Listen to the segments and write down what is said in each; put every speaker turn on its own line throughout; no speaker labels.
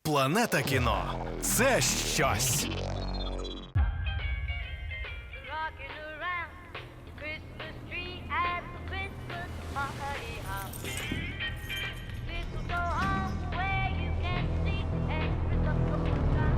Планета кіно – це щось.
Rocking around the Christmas tree at the Christmas party hop. Mistletoe hung where you can see every look of time.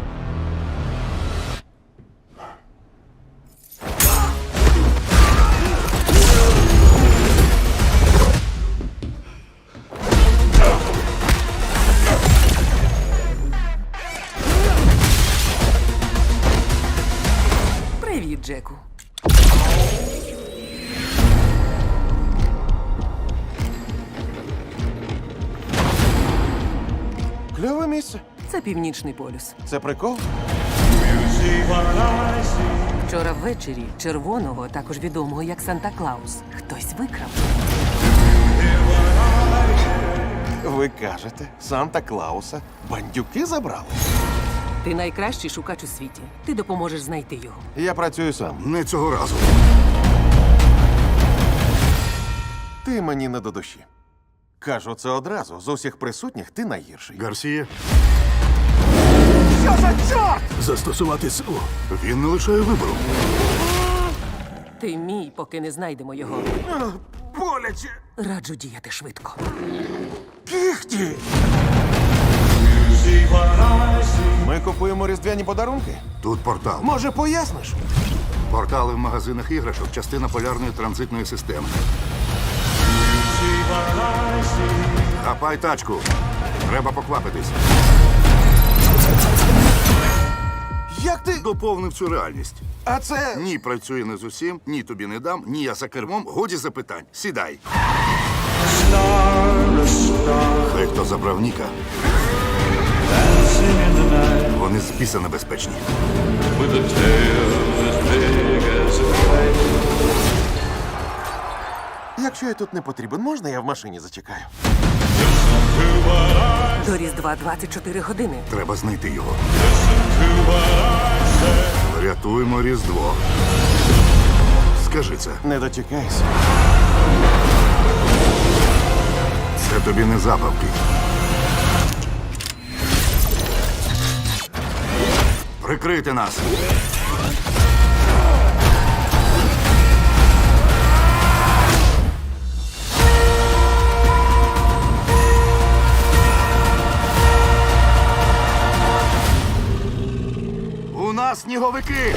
Привіт, Джеку.
Кльове місце.
Це Північний полюс.
Це прикол?
Вчора ввечері червоного, також відомого як Санта-Клаус, хтось викрав.
Ви кажете, Санта-Клауса бандюки забрали?
Ти найкращий шукач у світі. Ти допоможеш знайти його.
Я працюю сам.
Не цього разу.
Ти мені не до душі. Кажу це одразу. З усіх присутніх ти найгірший.
Гарсія,
Що за чорт?
застосувати силу. Він не лишає вибору.
Ти мій, поки не знайдемо його.
Боляче.
Раджу діяти швидко.
Кіхті. Ми купуємо різдвяні подарунки.
Тут портал.
Може, поясниш?
Портали в магазинах іграшок – частина полярної транзитної системи. Хапай тачку. Треба поквапитись.
Як ти?
Доповнив цю реальність.
А це...
Ні, працює не з усім, ні тобі не дам, ні я за кермом. Годі запитань. Сідай. Хай хто забрав Ніка. Вони з біса небезпечні.
Якщо я тут не потрібен, можна я в машині зачекаю?
До Різдва 24 години.
Треба знайти його. Рятуємо Різдво. Скажи це.
Не дочекайся.
Це тобі не забавки. Прикрийте нас. У нас сніговики.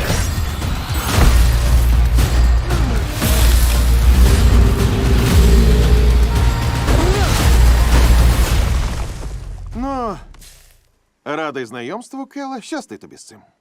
Ну, радий знайомству, Келе. Щасти тобі з цим.